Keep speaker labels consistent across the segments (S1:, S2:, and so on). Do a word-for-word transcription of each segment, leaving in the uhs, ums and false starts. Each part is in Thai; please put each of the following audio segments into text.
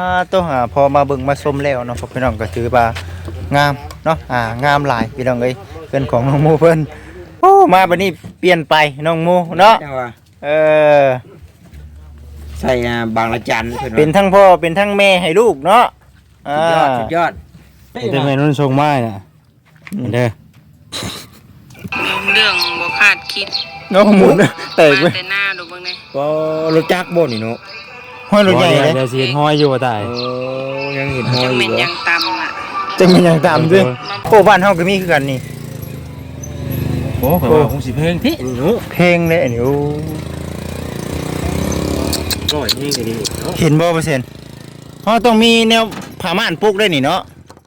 S1: ตัวหาพอมาเบิ่งมาชมแล้วเนาะพี่น้องก็ถือว่างามเนาะอ่างามหลายพี่น้องเอ้ยเพิ่นของน้องโมเพิ่นโอ้มาบัดนี้เปลี่ยนไปน้องโมเนาะเออ
S2: ใส่บางละจัน
S1: เป็นทั้งพ่อเป็นทั้งแม่ให้ลูกเนาะ
S2: อ่าสุดยอด
S3: แต่แม่นุ่นทรงไม้น่ะเด้อ
S4: เรื่องบ่คาดคิด
S1: น้องหมุนแตกเว้ย
S4: แต่หน้าดูเบิ่งนี่
S2: ก็รถจักรบ่นี่เนาะ
S1: ห้อยรถใหญ่เลย
S3: เดี๋ยวสิเห็นห้อยอยู่ว่าตาย
S2: โอ้ยังเห็นห้อย
S4: อยู่
S2: จังแม่น
S4: ยังต่ำอ่ะ
S1: จังแม่นยังต่ำด้วยโอ้บ้านเฮาก็มีคือกันนี่
S3: โอ้ข่อยว่าคงสิเพลงที่
S1: นี่เนาะเพลงเลยอันนี้โอ้
S3: ร้อยเพลงก็ดีเนาะ
S1: เห็นบ่เปอร์เซ็นต์เฮาต้องมีแนวผ้าม่านปลูกด้วยนี่เนาะ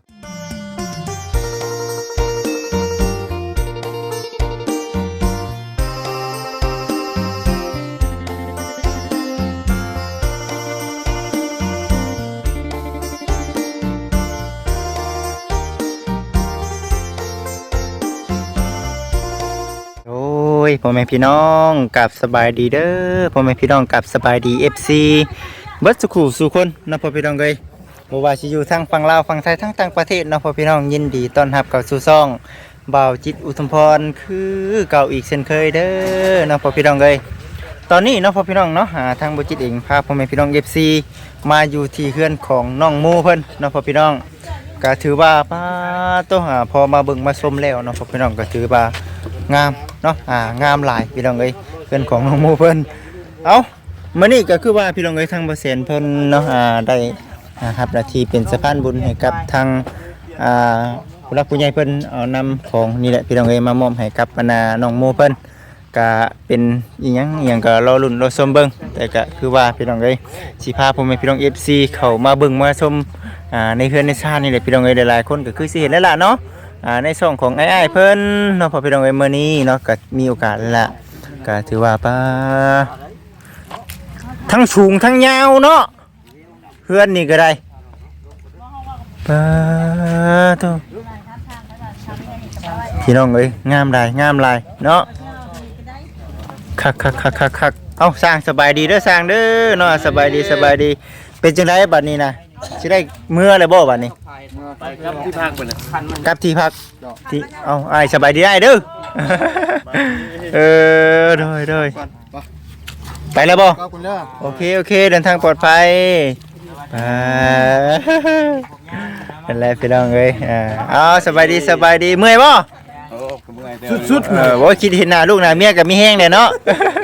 S1: พ่อแม่พี่น้องกับสบายดีเด้อพ่อแม่พี่น้องกับสบายดี เอฟ ซี เบิดสุขุสู่คนนะพ่อพี่น้องเอ้ยบ่ว่าสิอยู่ทางฝั่งลาวฝั่งไทยทั้งต่างประเทศนะพ่อพี่น้องยินดีต้อนรับเข้าสู่ช่องบ่าวจิตอุทุมพรคือเก่าอีกเช่นเคยเด้อนะพ่อพี่น้องเอ้ยตอนนี้นะพ่อพี่น้องเนาะหาทางบ่จิตเองพาพ่อแม่พี่น้อง เอฟ ซี มาอยู่ที่เฮือนของน้องโมเพิ่นนะพ่อพี่น้องก็ถือว่าป้าตัวหาพอมาเบิ่งมาชมแล้วนะพ่อพี่น้องก็ถือว่างามเนาะอ่างามหลายพี่น้องเอ้ยเพื่อนของน้องโมเพิ่นเอามื้อนี้ก็คือว่าพี่น้องเอ้ยทางบ่เซนเพิ่นเนาะอ่าได้อ่ารับหน้าที่เป็นสะพานบุญให้กับทางอ่าผู้รักผู้ใหญ่เพิ่นเอานำของนี่แหละพี่น้องเอ้ยมามอบให้กับอนาน้องโมเพิ่นก็เป็นอีหยังอีหยังก็รอลุ้นรอชมเบิ่งแต่ก็คือว่าพี่น้องเอ้ยสิพาพ่อแม่พี่น้อง เอฟ ซี เข้ามาเบิ่งมาชมอ่าในเฮือนในชาตินี่แหละพี่น้องเอ้ยหลายๆคนก็คือสิเห็นแล้วล่ะเนาะอ่าในช่องของไอ้ไอ้เพิ่นเนาะพอพี่น้องเอ้ยมื้อนี้เนาะก็มีโอกาสละก็ถือว่าป้าทั้งสูงทั้งยาวเนาะเพื่อนนี่ก็ได้ป้าโตพี่น้องเอ้ยงามหลายงามหลายเนาะคักคักคักคักคักเอ้าสร้างสบายดีเด้อสร้างเด้อเนาะสบายดีสบายดีเป็นจังไดบัดนี้นะสิได้เมื่อเลยบ่บัดนี้
S3: กับที่พักเพิ่นน่ะ
S1: กับที่พักที่เอาอ้ายสบายดีได้เด้อเออโดยโดยไปแล้วบ่โอเคโอเคเดินทางปลอดภัยอ่าเป็นไรพี่น้องเอ้ยอ่าเอาสบายดีสบายดีเมื่อยบ่สุดๆเออบ่คิดเห็นหน้าลูกหน้าเมียก็มีแห้งแน่เนาะ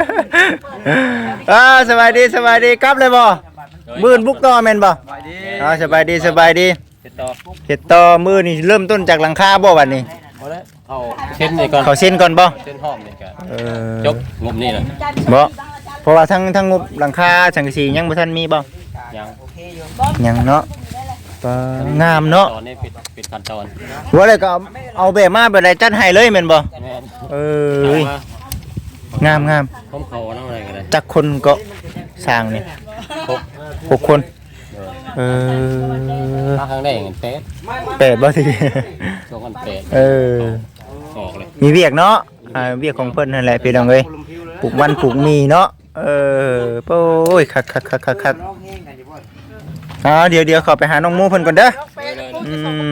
S1: อ่าสบายดีสบายดีกลับเลยบ่มื้อบุกต่อแม่นบ่อ๋อสบายดีสบายดีเฮ็ดต่อเฮ็ดต่อมื้อนี่เริ่มต้นจากหลังคาบ่บัดนี้
S3: บ่แล้วเอาเส้นนี่ก่อน
S1: เขาเส้นก่อนบ่
S3: เส้นห้องนี่ก็
S1: เออ
S3: จบงบนี่น่ะ
S1: บ่เพราะว่าทั้งทั้งงบหลังคาสังกะสียังบ่ทันมีบ่
S3: ยัง
S1: ยังเนาะก็งามเนาะ
S3: ตอนนี้ปิดปิดขั้นตอน
S1: ว่าเลยก็เอาแบบมาแบบใดจัดให้เลยแม่นบ่เอองามงาม
S3: ผมเขานำอะไรก็ได้
S1: จักคนก็สร้างนี่หก หกคนเออ
S3: มาครั้งแรกเงินเป็ด
S1: เป็ดบ่ที
S3: สองพันเป็ด
S1: เออ
S3: ออกเลย
S1: มีเวียกเนาะอ่าเวียกของเพิ่นนั่นแหละพี่น้องเอ้ยปลูกมันปลูกมีเนาะเออโอ้ยคักๆๆๆอ่าเดี๋ยวเดี๋ยวขอไปหาน้องมูเพิ่นก่อนเด้ออืม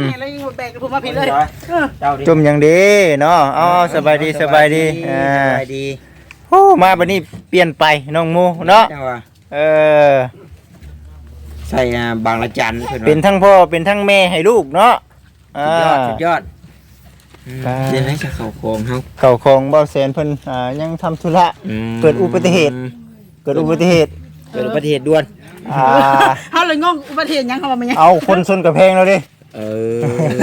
S1: จุ่มอย่างดีเนาะอ๋อสบายดีสบายดีอ่า
S2: สบายดี
S1: โอ้มาบัดนี้เปลี่ยนไปน้องมูเนาะเออ
S2: ใส่บางละจัน
S1: เป็นทั้งพ่อเป็นทั้งแม่ให้ลูกเนาะ
S2: อ่าสุดยอดเดี๋ยวให้จะเข้าโคงเฮา
S1: เข้าโคงเบาแสนเพิ่นอ่ายังทำธุระเกิดอุบัติเหตุเกิดอุบัติเหตุ
S2: เกิดอุบัติเหตุด่วน
S1: อ่า
S4: เฮาเลยงงอุบัติเหตุยังเขาว่ามันยัง
S1: เอาคนชนกระแพงแล้วดิ
S2: เออ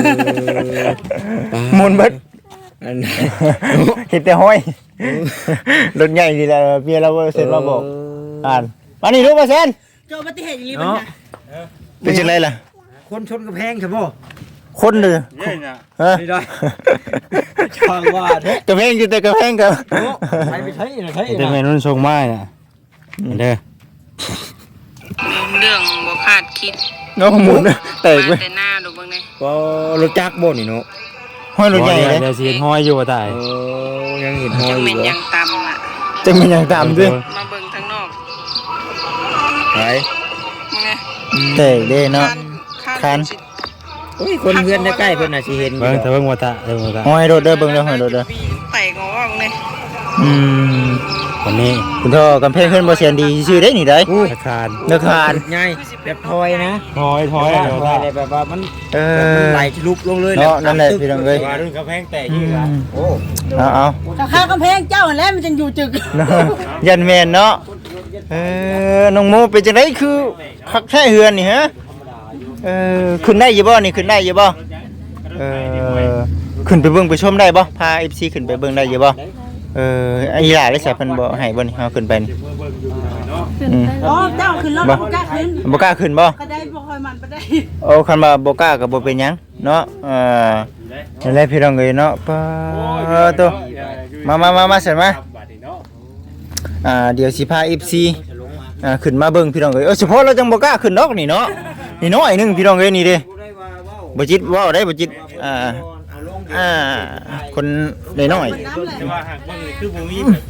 S1: มุนเบิดเห็นแต่ห้อยรถใหญ่นี่แหละเมียเราเซ็นมาบอกอ่านมานี่รู้ป่ะเซ็น
S4: เกิดอุบัติเหตุอย่างนี้มันน่ะ
S1: เป็นจังไดล่ะ
S2: คนชนกระแพงใช่บ่
S1: คนเด้อฮะ
S2: นี่ได้ช่างว่าเด้
S1: กระแพงอยู่แต่กระแพงกับ
S2: ไปไปใช้ใช้
S3: แต่แม่นุ่นทรงไม้น่ะเด้อ
S4: เรื่องบ่คาดคิด
S1: น้องหมุนแตกเว้ย
S4: แต่หน้าดูเบิ่งนี่
S2: ก็รถจักรบ่นี่เนาะ
S1: ห้อยรถใหญ่เลย
S3: เดี๋ยวสิเห็นห้อยอยู่ว่าตาย
S2: โอ้ยังเห็นห้อยอยู่
S4: จังแม่นยังต่ำอ่ะ
S1: จังแม่นยังต่ำด้วย
S4: มาเบิ่งทางนอก
S2: ไป
S4: มึงไง
S1: แตกเด้เนาะ คัน
S2: โอ้ยคนเพื่อนใกล้ๆเพิ่นน่ะสิเห็น
S3: เบิ่งแต่เบิ่งว่าตาเบิ่งว่าตา
S1: ห้อยโดดเด้อเบิ่งเด้อห้อยโดดเด้อ
S4: ไต่งออกเลย
S1: อืม
S3: วันนี้
S1: คุณท่อกำแพงขึ้นบ่เสียนดีชื่อได้นี่ได้
S3: อาคาร
S1: เนื้อคาน
S2: ใหญ่แบบทอยนะ
S3: ถอยถอย
S2: ท
S3: เดี๋ยว
S2: อ
S3: ตาย
S2: เลยแบบว่ามัน
S1: เอ
S2: มัน
S1: อ
S2: ไหลลุกลงเลย
S1: เนาะนั่นแหละพี่น้องเอ้ย
S3: ว่ารุ่นกระแพงแตก
S1: อื
S3: อีกอ่ะ
S1: ม
S2: โอ้
S1: เอาเอา
S5: ถ้าข้างกำแพงเจ้าหั่นแหล้วมันจังอยู่จึก
S1: เนาะยันแม่นเนาะเออน้องโมเป็นจังไดคือคักแท้เฮือนนี่ฮะเออขึ้นได้อยู่บ่นี่ขึ้นได้อยู่บ่เออขึ้นไปเบิ่งไปชมได้บ่พา เอฟ ซี ขึ้นไปเบิ่งได้อยู่บ่เออไอ้หลาได้ใส่เพิ่นบ่ให้บ่นี่เฮาขึ้นไปนี่อืม
S5: อ๋อเจ้าขึ้นรถบ่กล้าขึ้น
S1: บ่กล้าขึ้นบ่
S5: ก็ได้บ่ค่อยมันไปได้
S1: โอ้คันว่าบ่กล้าก็บ่เป็นหยังเนาะเออนั่นแหละพี่น้องเอ้ยเนาะปะตัวมามามามาเสร็จมาอ่าเดี๋ยวสิพา เอฟ ซี อ่าขึ้นมาเบิ่งพี่น้องเอ้ยเออเฉพาะเราจังบ่กล้าขึ้นดอกนี่เนาะนี่น้อยหนึงพี่น้องเอ้ยนี่เด้บ่จิตเว้าได้บ่จิตอ่าอ่าคนน้อย
S3: แต่ว่าหากเบิ่งนี่คือบ่มี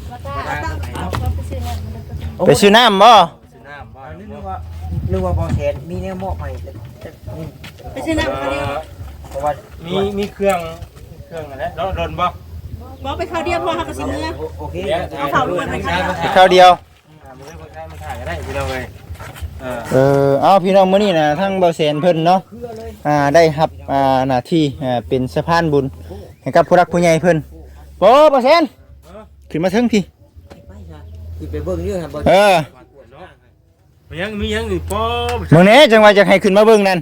S1: ๆไปซื้อน้ำบ่
S2: นึกว่านึกว่าบ่แทนมีแนวมอบให้
S5: ไปซื้อน้ำเขาเดียว
S2: เพราะว่า
S3: มีมีเครื่องเครื่องอะไรแล้วรนบ่
S5: บ่ไปเขาเดียวพอเฮาก็สิเมื่อ
S2: โอเค
S5: เอาเข่าด้วยไปข้าง
S1: ไปข้าวเดียว
S3: มือคนไทยมันถ่ายก็ได้พี่น้องเอ้ยเออ
S1: เออเอาพี่น้องมื้อนี้นะทั้งเบาแสนเพิ่นเนาะอ่าได้รับอ่าหน้าที่อ่าเป็นสะพานบุญให้กับผู้รักผู้ใหญ่เพิ่นโอ้เบาแสนขึ้นมาเทิงพี่
S2: ที่ไปเบิ่งอยู่หั่นบ่
S1: เออ
S3: มียังมียังอีกป๊อบ
S1: มื้อนี้จังว่าจะให้ขึ้นมาเบิ่งนั่น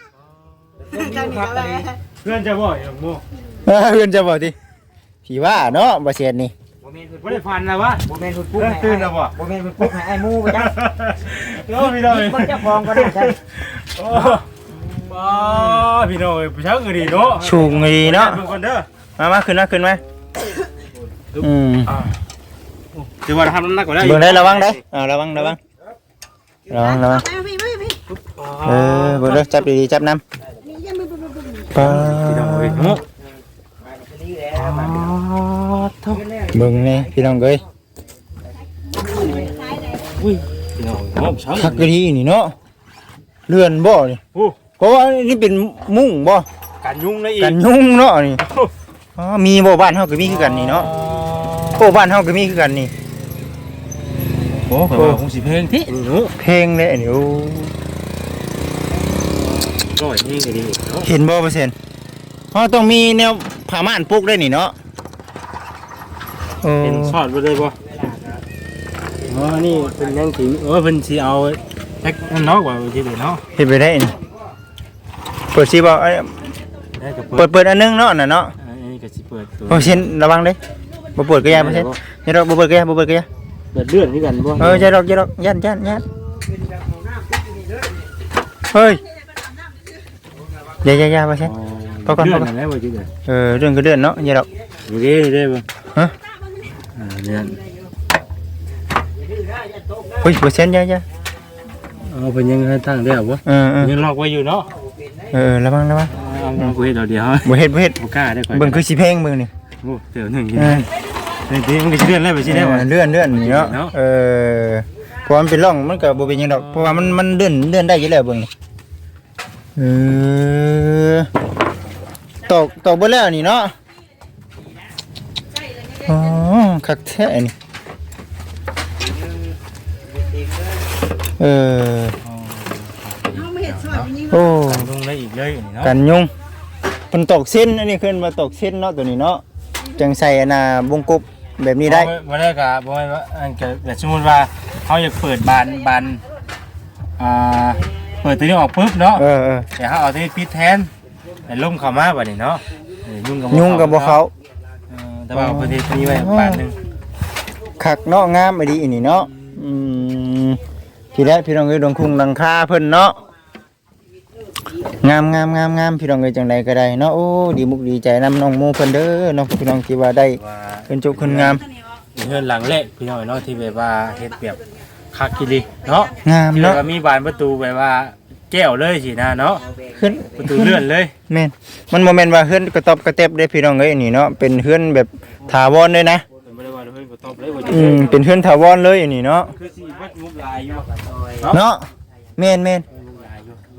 S3: เพื่อนจะบ่อย่างโม
S1: เออเพิ่นจะบอกติพี่ว่าเนาะเบาแสนนี่
S2: บ่แม่น
S3: บ่ได้ฟันนะวะ
S2: บ่แม่นเพิ่นปลุก
S3: เออ
S2: ให้
S3: ตื่นแล้วบ่
S2: บ่แม่นเพิ่นปลุกให้ไอ้หมูไปจัง
S3: โอ้พี่น้องเอ้ย
S2: เบิ่งเจ้าของก็ได้จ้ะ
S3: โอ้บ้าพี่น้องเอ้ยผู้ชายก็ดีเนาะ
S1: ชูงดีเนาะ
S3: เบิ่งก่อนเด้อ
S1: มามาขึ้นมาขึ้นมาอืม
S3: ถือว่าทำน้ำหนักกว่าได้
S1: เบิ่งได้ระวังได้อ่าระวังระวังระวังระวัง
S5: ไปพี่พี่พี่
S1: เออเบิ่งเด้อจับดีๆจับน้ำปา
S3: พี่น้องเอ้ยโอ้
S1: เบิ่งนี่พี่น้องเอ้ย
S3: พี่น้องโอ้ช้าง
S1: คักกะทีนี่เนาะเลื่อนบ่นี่
S3: โอ้
S1: เพราะว่านี่เป็นมุ้งบ่
S3: การยุ่งได้อีก
S1: กันยุงเนาะนี่อ๋อมีบ่บ้านเฮาก็มีคือกันนี่เนาะโอ้บ้านเฮาก็มีคือกันนี่
S3: โอ้ก็ว่าคงสิเพลงที่นี่หนู
S1: เพลงเลยอันนี้โอ้
S3: ร้อยนี่ก็ดีเนาะ
S1: เห็นบ่เปอร์เซ็นต์เฮาต้องมีแนวผ้าม่านปลูกได้นี่เนาะโอ้
S3: เป็นซอดบ่ได้บ่อ๋อนี่เป็นยังสิเออเพิ่นสิเอาแท็กนั่นเนาะว่าสิได้เนาะ
S1: เฮ็ดไปได้นี่เปิดสิบ่เอ้ย
S3: ได้ก็
S1: เปิดเปิดอันนึงเนาะน่ะเนาะ
S3: อันนี้ก็สิเปิดตัว
S1: เปอร์เซ็นต์ระวังเด้บ่เปิดก็อย่าเปอร์เซ็นต์อย่าดอกบ่เปิดก็อย่าบ่เปิดก็อย่า
S3: เปิดเลือดคือกันบ่
S1: เอออย่าดอกอย่าดอกยันยันยันเฮ้ยอย่าอย่าอย่าเปอร์เซ็นต์ พอก่อน
S3: เลื
S1: พ
S3: อ
S1: อ
S3: ด
S1: ก่อน
S3: นั่นแหละบ่จิเด้อ
S1: เออเรื่องก็เดือนเนาะอย่าดอก
S3: อยู่ดีได้บ่
S1: ฮะ
S3: อ่าเลือด
S1: เฮ้ยเปอร์เซ็นต์อย่าอย่า
S3: เอาเพิ่นยังให้ทางได้บ่
S1: เออเออ
S3: ยังล็อกไว้อยู่เนาะ
S1: เออระวังระวัง
S3: เอาเอากูเฮ็ดเอาเดียว
S1: บ่เฮ็ดบ่เฮ็ด
S3: บ่กล้าได้ก่อน
S1: เบิ่งคือสิเพลงเบิ่งนี่
S3: โอ้เดี๋ยวหนึงกิน
S1: เออ
S3: นี่มันก็สิเลื่อนแล้วไปสิได้บ่
S1: เลื่อนเลื่อนนี่เนาะ
S3: เนาะ
S1: เออเพราะมันเป็นร่องมันก็บ่เป็นหยังดอกเพราะว่ามันมันเลื่อนเลื่อนได้อยู่แล้วเบิ่งนี่เออตอกตอกเบิดแล้วนี่เนาะอ๋อคักแท้นี่เออ
S5: เฮาไม่เห็นซอยมันยิง
S1: โอ้
S3: ลงได้อีกเลยนี่เนาะ
S1: กันยุงมันตกเส้นอันนี้ขึ้นมาตกเส้นเนาะตัวนี้เนาะจังใส่อันน่ะวงกบแบบนี้ได้
S3: บ่ได้ก็บ่ได้ว่าอันก็แบบสมมุติว่าเฮาอยากเปิดบานบานอ่าเปิดตัวนี้ออกปุ๊บเนาะ
S1: เออเออ
S3: แต่เฮาเอาตัวนี้ปิดแทนให้ลมเข้ามาบัดนี้เนาะเออยุ่งกับ
S1: ยุงกับบ่เขา
S3: เออแต่ว่าเอาประเทศนี้ไว้บานหนึง
S1: คักเนาะงามไปดีอันนี้เนาะอืมพี่แรกพี่น้องเอ้ยดวงคุงดังคาเพิ่นเนาะงามงามงามงามพี่น้องเอ้ยจังใดก็ได้เนาะโอ้ดีมุกดีใจนำน้องโมเพิ่นเด้อเนาะพี่น้องที่ว่าได้
S3: ว่า
S1: เป็นจุคนงาม
S3: เฮือนหลังแรกพี่น้องเนาะที่แบบว่าเฮ็ดแบบคักกิลิเนาะ
S1: งาม
S3: ที่แบ
S1: เนาะ
S3: บว่ามีบานประตูแบบว่าแก้วเลยสินะเนาะ
S1: ขึ้น
S3: ประตูเลื่อนเลย
S1: แม่นมันบ่แม่นว่าเฮือนกระตอบกระเต็บเด้พี่น้องเอ้ยอันนี้เนาะเป็นเฮือนแบบถาวรเลยนะ
S3: ไม่ได้ว่าเฮ้ยบ่ตอบเลยว่าจะ
S1: อืมเป็นเฮือนถาวรเลยอันนี้เนาะ
S3: คือสิวัดมุกลายอยู่
S1: เนาะแม่นแม่น
S3: มุกลาย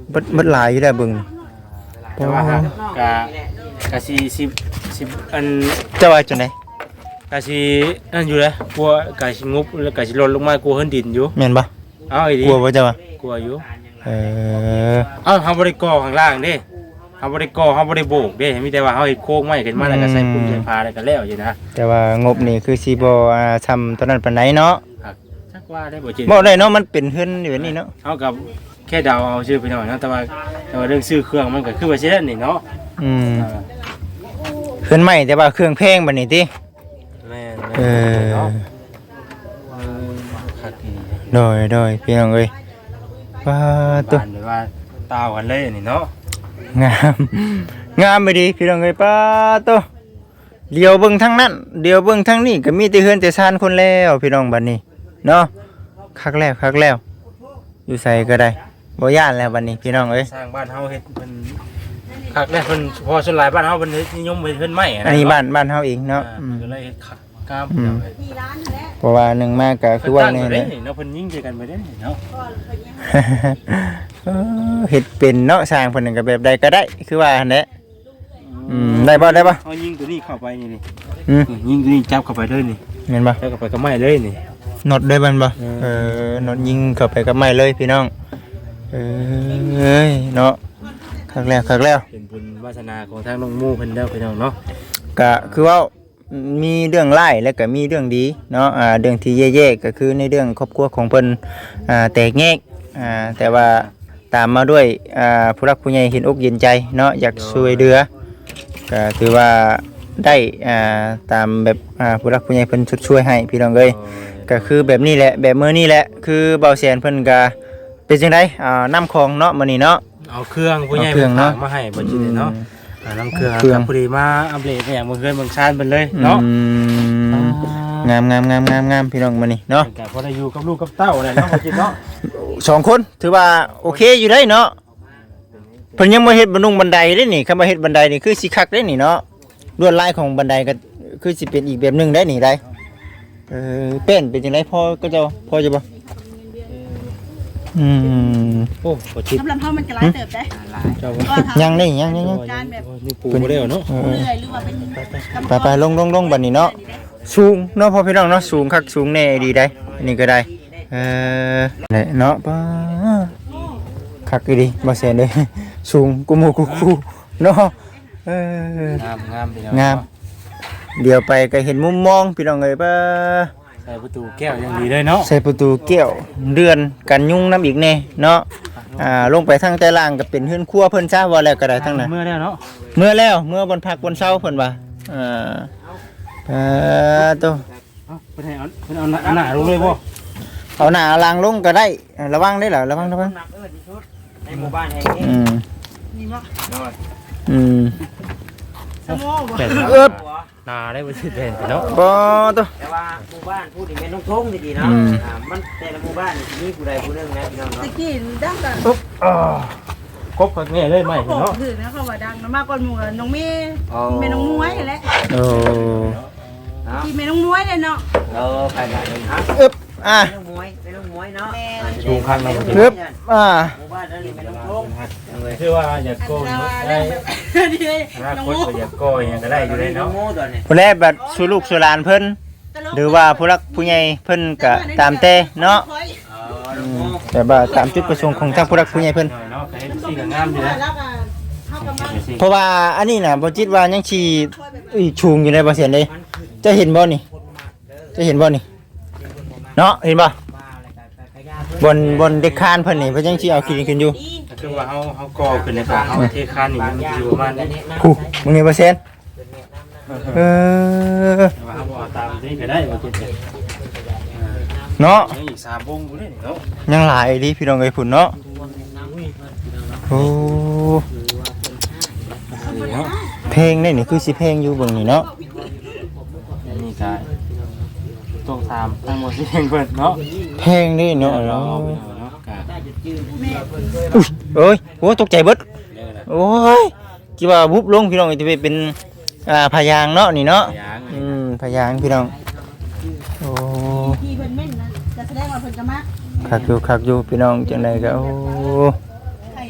S1: เบิดเบิดหลายอยู่ได้เบิ่ง
S3: แต่ว่าฮะกะกะสิสิสิอัน
S1: เจะว่าจังได๋
S3: กะสินั่นอยู่เลยกลัวกะสิงบแล้วกะสิหล่นลงมากลัวเฮินดินอยู่
S1: แม่นบ่
S3: เอาอีดี
S1: กลัวบ่เจ้าว่าก
S3: ลัวอยู่
S1: เออ
S3: เอ้าเฮาบ่ได้ก่อข้างล่างเด้เฮาบ่ได้ก่อเฮาบ่ได้โบกเด้มีแต่ว่าเฮาเฮ็ดโค้งไม้ขึ้นมาแล้วก็ใส่ปุ่มใส่พาแล้วก็แล้วอยู่นะ
S1: แต่ว่างบนี่คือสิบ่อ่าทำตอนนั้นปานใดเนาะ
S3: ครับจักว่าได้บ่จริง
S1: บ่ได้เนาะมันเป็นเฮือนอยู่แบบนี้เนาะ
S3: เฮากับแค่เดาเอาชื่อไปหน่อยเนาะแต่ว่าแต่ว่าเรื่องซื้อเครื่องมันก็คือว่าสิได้นี่เนาะ
S1: อืม
S3: อ่า
S1: เฮือนใหม่แต่ว่าเครื่องแพงบัดนี้ติ
S3: แม่น
S1: เออ
S3: เนาะเออคักดี
S1: โดยโดยพี่น้องเอ้ยว่าตัว
S3: บ้านแบบว่าตาวกันเลยนี่เนาะ
S1: งามงามไปดีพี่น้องเอ้ยป้าตัวเดียวเบิ่งทั้งนั้นเดียวเบิ่งทั้งนี้ก็มีแต่เฮือนแต่ซานคนแล้วพี่น้องบัดนี้เนาะคักแล้วคักแล้วอยู่ใส่ก็ได้บ่ย่านแล้วบัดนี้พี่น้องเอ้ย
S3: สร้างบ้านเฮาเฮ็ดเพิ่นคักแน่เพิ่นพอส่วนหลายบ้านเฮาเพิ่นนิยมเฮ็ดเพิ่นไม้ะ
S1: อันนี้บ้านบ้านเฮาเองเนาะ
S3: อ่า
S1: อืม
S3: ก็เลยเฮ็ดคักกาม
S1: อืม
S3: เนาะ
S5: มีร้านนั่นแหละ
S1: เพราะว่าหนึ่งมากก็คือว่า
S3: เพิ่น
S1: นี่
S3: ตั้ง
S1: แห
S3: ไว้
S1: ละ
S3: เด้เนาะเพิ่นยิงใจกันไปเด้เนาะ
S5: ก็เพิ่นยัง
S1: เออเฮ็ดเป็นเนาะสร้างเพิ่นนนก็แบบใดก็ได้คือว่าหั่นแหละอืมได้บ่ได้บ่
S3: เฮายิงตัวนี้เข้าไปนี่นี่
S1: อืม
S3: นี่ยิงตัวนี้จับเข้าไปเลยนี่
S1: แม่นบ่
S3: จับเข้าไปกับไม้เลยนี่
S1: น็อตได้บันบ่
S3: เออ
S1: เออน็อตยิงเข้าไปกับไม้เลยพี่น้องเออเอ้ยเนาะคักแล้วคักแล้ว
S3: เป็นบุญวาสนาของทางน้องหมู่เพิ่นเด้อพี่น้องเนาะ
S1: ก็คือว่ามีเรื่องร้ายแล้วก็มีเรื่องดีเนาะอ่าเรื่องที่แย่ๆก็คือในเรื่องครอบครัวของเพิ่นอ่าแตกแยกอ่าแต่ว่าตามมาด้วยอ่าผู้รักผู้ใหญ่เห็นอกเย็นใจเนาะอยากช่วยเหลือก็ถือว่าได้อ่าตามแบบอ่าผู้รักผู้ใหญ่เพิ่นช่วยให้พี่น้องเอ้ยก็คือแบบนี้แหละแบบมื้อนี้แหละคือเบาแสนเพิ่นก็เป็นจังไดอ่าน้ำของเนาะมื้อนี้เนาะ
S3: เอาเครื่องผู้ใหญ่
S1: เอาเครื่อง
S3: เพิ่น
S1: เนาะ
S3: ฝากมาให้บ่จิเนาะอ่าน้ำเครื่อง
S1: เครื่อง
S3: พอดีมาอัปเดตเนี่ยเมืองเฮือนเมืองชานเพิ่นเลยเนาะ
S1: อืมงามงามงามงามงามพี่น้องมื้อนี้เนาะ
S3: แต่พอได้อยู่กับลูกกับเต้าเลยเนาะบ่จิเนาะ
S1: สองคนถือว่าโอเคอยู่ได้เนาะเพิ่นยังบ่เฮ็ดบันนุงบันไดเด้นี่คำว่าเฮ็ดบันไดนี่คือสิคักได้นี่เนาะลวดลายของบันไดก็คือสิเป็นอีกแบบหนึงได้นี่ได้เออเป็นเป็นจังไดพอก็เจ้าพอจะบ่อืม
S3: โอ้บ่จิ
S5: สำหรับเฮามันก็หลายเติบได้
S3: เจ้า
S5: ก็ทำ
S1: ยังนี่ยังยังยัง
S5: การแบบ
S3: นี่ปูบ่ได้เนาะ
S1: เออ
S5: เรื่อยหรือว่าเป็น
S1: ไปไปลงลงลงบัดนี้เนาะสูงเนาะพอพี่น้องเนาะสูงคักสูงแน่ดีได้อันนี้ก็ได้เออนี่เนาะป้าคักอีดีบ่แซ่นเด้สูงกูหมู่กูคู่เนาะเออ
S3: งามงามพี่น้อง
S1: งาม เดี๋ยวไปก็เห็นมุมมองพี่น้องเอ้ยป้า
S3: ใส่ประตูแก้วอย่างดีเลยเนาะ
S1: ใส่ประตูแก้วเดือนกันยุงน้ำอีกแน่เนาะอ่าลงไปทางใต้ล่างก็เป็นเฮือนครัวเพิ่นซะว่าแล้วก็ได้ทั้งนั้น
S3: เมื่อแล้วเนาะ
S1: เมื่อแล้วเมื่อวันพักวันเช้าเพิ่นว่าอ่าเออตัว
S3: เอ้าเพิ่นให้เอาเพิ่นเอาหน้าหน้าลงเลยบ่
S1: เอาหน้าเอาหลังลงก็ได้อ่าระวังได้เหรอระวังระวัง
S2: ในหมู่บ้านแห่งนี้
S1: อืม
S5: นี่บ่
S1: อืม
S5: สมอบ่
S3: เป็ด
S1: เอิบ
S3: หน้าได้บ่สิเป็นเนาะ
S1: บ่ตัว
S2: แต่ว่าหมู่บ้านพูดถึงเป็นน้องทงดีๆเนาะ
S1: อืม
S2: อ่ามันแต่ละหมู่บ้านนี่มีผู้ใดผู้หนึงนะพี่น้อง
S5: ตะ
S2: เนาะ
S5: กี้ดังกัน
S3: ปุ๊บอ่าครบคักแน่เลยไหม
S5: บอก
S3: เนาะ
S5: คือนะเขาว่าดังมากกว่าหมู่น้องเมย์แม่น้องมวยแหละ
S1: โอ้
S2: เนาะ
S5: ที่แม่น้องมวยเลยเนาะ
S2: เออไปกันเลยครับ
S1: เอิบอ่ะ
S2: เป็นน้องมวยเป็นน้องมวยเนาะ
S3: ชูข้างใน
S1: เอิบอ่ะ
S2: หมู่บ้านนั้นนี่เป็นน้องทง
S3: คือว่าอยากโกง
S5: แต่ว่า
S3: ได้
S5: แล้วดี
S3: อนา
S5: น้อง
S3: คต
S5: มู
S3: ก็อยากโกงอย่างก็ได้อยู่เลย
S2: น้อง
S3: เนาะ
S2: โม่ตัวนี้
S1: ผู้แลบัดสู่ลูกสู่หลานเพิ่นหรือว่าผู้รักผู้ใหญ่เพิ่นก็ตามแต่เนาะ
S2: เออน้องโม่
S1: แต่ว่าตามจุดประสงค์ของทางผู้รักผู้ใหญ่เพิ่น
S3: เนาะก็ให้สีก็งามอยู่นะ
S5: แล้วก็เข้ากันมา
S1: เพราะว่าอันนี้น่ะบ่จิตว่ายังชีอุ้ยชูงอยู่ในบ่เสียนเลยจะเห็นบ่นี่จะเห็นบ่นี่เนาะเห็นบ่บนบนเด็กคานเพิ่นนี่เพิ่นยังสิเอาขี้ดินขึ้นอยู่
S3: คือว่าเฮาเฮาก่อขึ้นในป่าเฮาเทคานนี่มันอยู่ประมาณนี้
S1: ผู้มึงนี่บ่เสียนเออ
S3: ว่าเฮาเอาตามนี้ก็ได้ว่าคิด
S1: เนาะ
S3: ยังอีกสามวงอยู่นี่เนาะ
S1: ยังหลายดิพี่น้องเอ้ยพุ่นเนาะโอ้เพลงนี่นี่คือสิเพลงอยู่เบิ่งนี่เนาะ
S3: อันนี้ก็ต้องตามทั้งหมดที่เพิ่นเนาะ
S1: เพลงนี่เนาะ
S3: เราเอาไปเนาะกะ
S1: อุ้ยเอ้ยโอ้ตกใจเบิดโอ้ยคิดว่าวุบลงพี่น้องจะไปเป็นอ่าพยางค์เนาะนี่เนาะ
S3: ยาง
S1: อืมพยางค์พี่น้องโอ้
S5: ที่เพิ่นแม่นนะจะแสดงว่าเพิ่นจะมา
S1: คักอยู่คักอยู่พี่น้องจังไดก็โอ้
S5: ไข่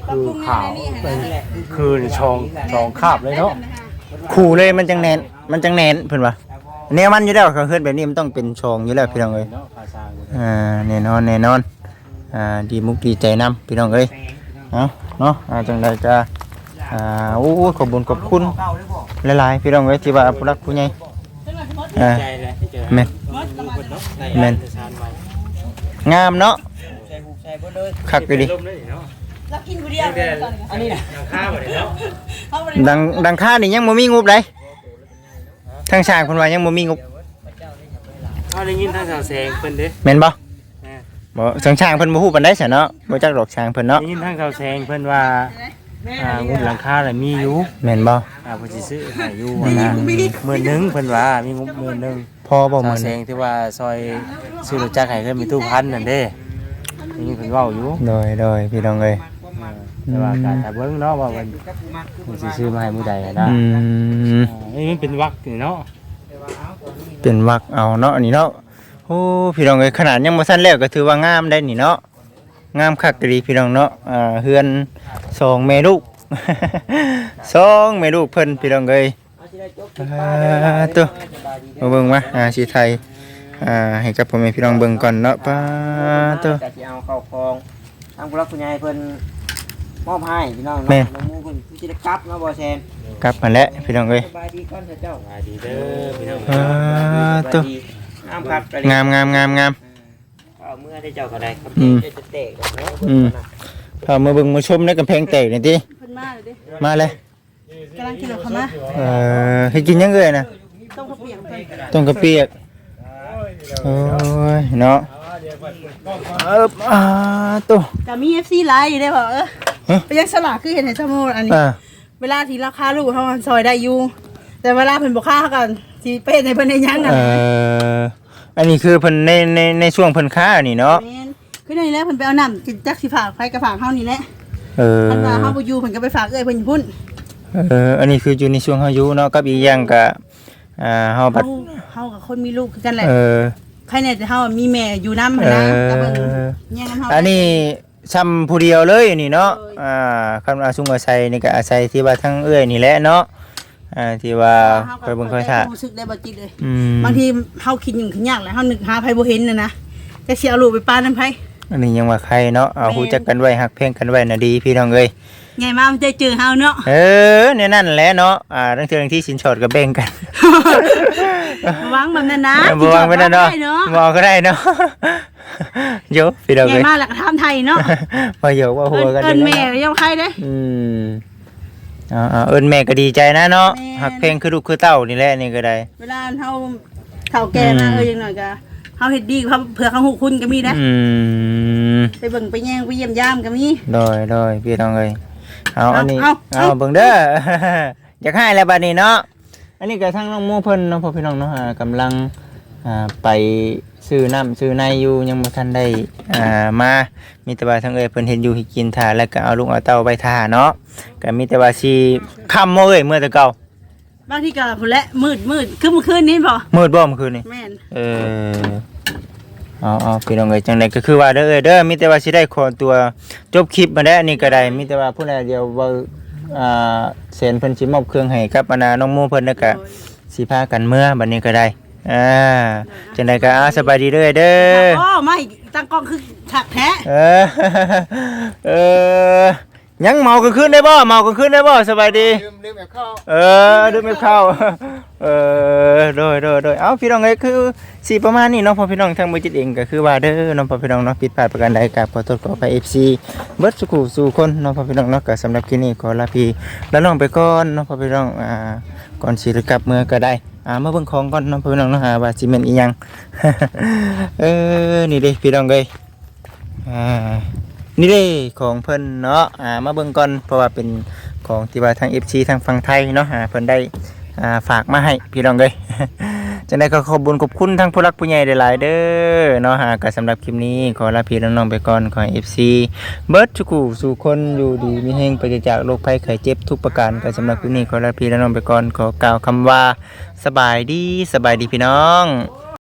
S3: คือขาวเป็นคือชองชองคาบเลยเนาะ
S1: ขู่เลยมันจังแน่นมันจังแน่นเพิ่นว่าแนวมันอยู่แล้วเขาเฮ็ดแบบนี้มันต้องเป็นช่องอยู่แล้วพี่น้องเอ้ย
S3: เนาะภาษา
S1: อ่าแน่นอนแน่นอนอ่าดีมุกดีใจนํพี่น้องเอ้ยเอาเนาะอ่าจังไดก็อ่าโอ้ขอบคุญขอบคุณหลายๆพี่น้องเอ้ยที่ว่าผู้รักผู้ใหญ่อ่า
S3: ใจเลยเจอ
S1: แม่นแม่นงามเนาะคักอยู่ดิ
S5: เรากินผู้เดียวเลยตอนนี้
S3: อันนี้นะข้าวเลยเนาะ
S5: เขาบ่ได้
S1: ดังดังค่านี่ยังบ่มีงบเลยทางช่างเพิ่นว่ายังบ่มีงบ
S3: เอาได้ยินทางสาวแสงเพิ่นเด้
S1: แม่นบ่บ่ทางช่างเพิ่นบ่ฮู้ปานใดซะเนาะบ่จักดอกช่างเพิ่นเนาะ
S3: ได้ยินทางสาวแสงเพิ่นว่าอ่างบหลังคาน่ะมีอยู่
S1: แม่นบ่
S3: อ่าเพิ่นสิซื้อให้อยู่นะหมื่นหนึงเพิ่นว่ามีงบหมื่นหนึง
S1: พอบ่
S3: สา
S1: มื้
S3: ว
S1: อ
S3: แส
S1: นี้
S3: งที่ว่าซอยซื้อรถจักรให้เพิ่นมีตู้พันนั่นเด้นี่เพิ่นเว้าอยู่
S1: โดยโดยพี่น้องเอ้ย
S3: แต่ว่าการถ้าเบิ่งเนาะว่ามันมันสิซื้อมาให้มื้อใดอะนะ
S1: อืม
S3: อ่านี่มันเป็นวักนี่เนาะ
S1: เป็นวักเอาเนาะอันนี้เนาะโอ้พี่น้องเอ้ยขนาดยังบ่ทันแล้วก็ถือว่างามได้นี่เนาะงามคักดีพี่น้องเนาะอ่าเฮือนสองแม่ลูก สองแม่ลูกเพิ่นพี่น้องเอ้ยอ่าตัวมาเบิ่งมาอ่าสิไทยอ่าให้กับพ่อแม่พี่น้องเบิ่งก่อนเนาะป้าตัว
S2: จะสิเอาเข้าคลองทางผู้รักผู้ใหญ่เพิ่นมอบให้พี่น้องเนาะน้องหมูเพิ่นสิได้กลับเนาะบ่แซน
S1: กลับมาแล้วพี่น้องเอ้ย
S2: สบายดีก่อนเถอะเจ้า
S3: สวัสดีเด้อพี่น้อง
S1: อ่าตัว
S2: งามครับ
S1: งามงามงามงาม
S2: เอาเมื่อได้เจ้าก็ได้ครับ
S1: อืม
S2: จะแตกเนาะ
S1: อืมพามาเบิ่งมาชมในกำแพงแตกนี่ติ
S5: เพิ่นมาเลยเด้
S1: มาเลย
S5: กำลังกินเข้ามา
S1: เอ่อให้กินยังเอ่ยนะ
S5: ต้มข้าวเปียกเพิ่น
S1: ต้มกะเปียกโอ้ยเนาะเอิบอ่าตัว
S5: ก็มี เอฟ ซี ไลน์อยู่ได้บ่เออ
S1: ฮะ
S5: ไปยังสลากคือเห็นให้ซะโมอันนี้
S1: อ่า
S5: เวลาที่ราคาลูกเฮาซอยได้อยู่ แต่เวลาเพิ่นบ่ค่าเฮาก็สิไปเฮ็ดให้เพิ่นได้หยังกัน
S1: เอ่ออันนี้คือเพิ่นในในในช่วงเพิ่นค้านี่เนาะ
S5: แม่นคือในนี้แหละเพิ่นไปเอาน้ำจิจักสิฝากไผก็ฝากเฮานี่แหละ
S1: เออ
S5: อันว่าเฮาบ่อยู่เพิ่นก็ไปฝากเอ้ยเพิ่นอยู่พุ่น
S1: เอออันนี้คืออยู่ในช่วงเฮาอยู่เนาะกับอีกอย่างก็อ่าเฮาบั
S5: เฮา
S1: ด
S5: เฮากับคนมีลูกคือกันแหละ
S1: เออ
S5: ใครเนี่ยแต่เฮามีแม่อยู่นำหั่นนะก็เบิ่งแย่งกันเฮา
S1: อันนี้ซ้ำผู้เดียวเลยนี่เนาะอ่าคันอาซุงอาศัยนี่ก็อาศัยที่ว่าทั้งเอื้อยนี่แหละเนาะอ่าที่ว่าคอยเบิ่งคอยท่า
S5: รู้สึกได้บ่จิตเลย
S1: อืม
S5: บางทีเฮาคิดอยู่ขึ้นยากแหละเฮานึกหาไผบ่เห็นน่ะนะแต่สิเอาลูกไปป้านำไผ
S1: อันนี้ยังว่าใครเนาะเอาฮู้จักกันไว้ฮักเพ่งกันไว้น่ะดีพี่น้องเอ้ย
S5: ใหญ่มามันจะเจอเฮาเนาะ
S1: เออเนี่ยนั่นแหละเนาะอ่าทั้งเทื่อที่สินสอดก็แบ่งกัน
S5: ระวังแบบนั้นนะ
S1: บ่วางไว้นั่นเนาะ
S5: ได้เนาะ
S1: บ่ก็ได้เนาะ โยพี่น้อง
S5: ใหญ่
S1: เอ้ย
S5: มาแล้วก็ถามไทยเนาะ
S1: บ่โยกว่าหัวกัน
S5: เอิ้น
S1: ยู่
S5: แม่
S1: เนาะ
S5: ยังใครเด้
S1: อืมอ่าๆเอิ้นแม่ก็ดีใจนะเนาะ
S5: แม่
S1: ฮักเพ่งคือลูกคือเต้านี่แหละนี่ก็ได้
S5: เวลาเฮาเฒ่าแก่มา
S1: อืม
S5: เอ้ยจังหน่อยก็เฮาเฮ็ดดีเขาเผื่อเขาฮู้คุณก็มีนะ
S1: อืม
S5: ไปเบิ่งไปแย่งไปเยี่ยมยามก็มี
S1: โดยโดยพี่น้องเอ้ยเอา
S5: เอา
S1: อันนี้
S5: เอา
S1: เอา
S5: เอา
S1: เบิ่งเด้อ อยากให้แล้วบัดนี้เนาะอันนี้ก็ทางน้องหมู่เพิ่นเนาะพ่อพี่น้องเนาะอ่ากำลังอ่าไปซื้อน้ำซื้อในอยู่ยังบ่ทันได้อ่ามามีแต่ว่าทางเอ้ยเพิ่นเห็นอยู่ให้กินท่าแล้วก็เอาลูกเอาเต้าไปท่าเนาะก็มีแต่ว่าสิค่ำบ่เอ้ยเมื่อแต่เก่า
S5: บางทีก็พุ่นแหละมืดมืดคือเมื่อคืนนี้บ่
S1: มืดบ่เมื่อคืนนี้
S5: แม่น
S1: เออเอาเอาพี่น้องเอ้ยจังไดก็คือว่าเด้อเอ้ยเด้อมีแต่ว่าสิได้ขอตัวจบคลิปมาได้วอันนี้ก็ได้มีแต่ว่าผู้ใดเดียวเว่าอ่าเซ็นเพิ่นสิมอบเครื่องให้กับอานาน้องหมู่เพิ่นแล้วก็สิพากันเมื่อบัดนี้ก็ได้อ่าจังไดก็อ่าสบายดีเด้อเด้อ
S5: อ๋อไม่ตั้งกล้องคือถักแท้
S1: เออเออยังเมากลางคืนได้บ่เมากลางคืนได้บ่สบายดี
S3: ลืมลืมแบบเข้า
S1: เออดูไม่เข้า เออโดยโดยโดยเอ้าพี่น้องเอ้ยคือสีประมาณนี้เนาะพอพี่น้องทางมือจิตเองก็คือว่าเด้อเน้องพอพี่น้องเนาะผิดพลาดประการใดกับขอโทษขออภัย เอฟ ซี เบิดสุขุสู่คนเนาะพอพี่น้องเนาะก็สำหรับคลิปนี้ขอลาพี่แล้วน้องไปก่อนเนาะพอพี่น้องอ่าก่อนสิกลับเมื่อก็ได้อ่ามาเบิ่งของก่อนเนาะพอพี่น้องเนาะหาว่าสิแม่นอีหยัง เออนี่เด้พี่น้องเอ้ยอ่านี่เด้ของเพิ่นเนาะอ่ามาเบิ่งก่อนเพราะว่าเป็นของที่ว่าทาง เอฟ ซี ทางฝั่งไทยเนาะอ่าเพิ่นได้อ่าฝากมาให้พี่น้องเอ้ย จังได๋ก็ขอบคุญขอบคุณทั้งผู้รักผู้ใหญ่หลายๆเด้อเนาะหาก็สำหรับคลิปนี้ขอลาพี่น้องๆไปก่อนขอให้ เอฟ ซี เบิดทุกคู่สู่คนอยู่ดีมีแฮงปราศจากโรคภัยไข้เจ็บทุกประการก็สำหรับคลิปนี้ขอลาพี่น้องๆไปก่อนขอกล่าวคำว่าสบายดีสบายดีพี่น้อง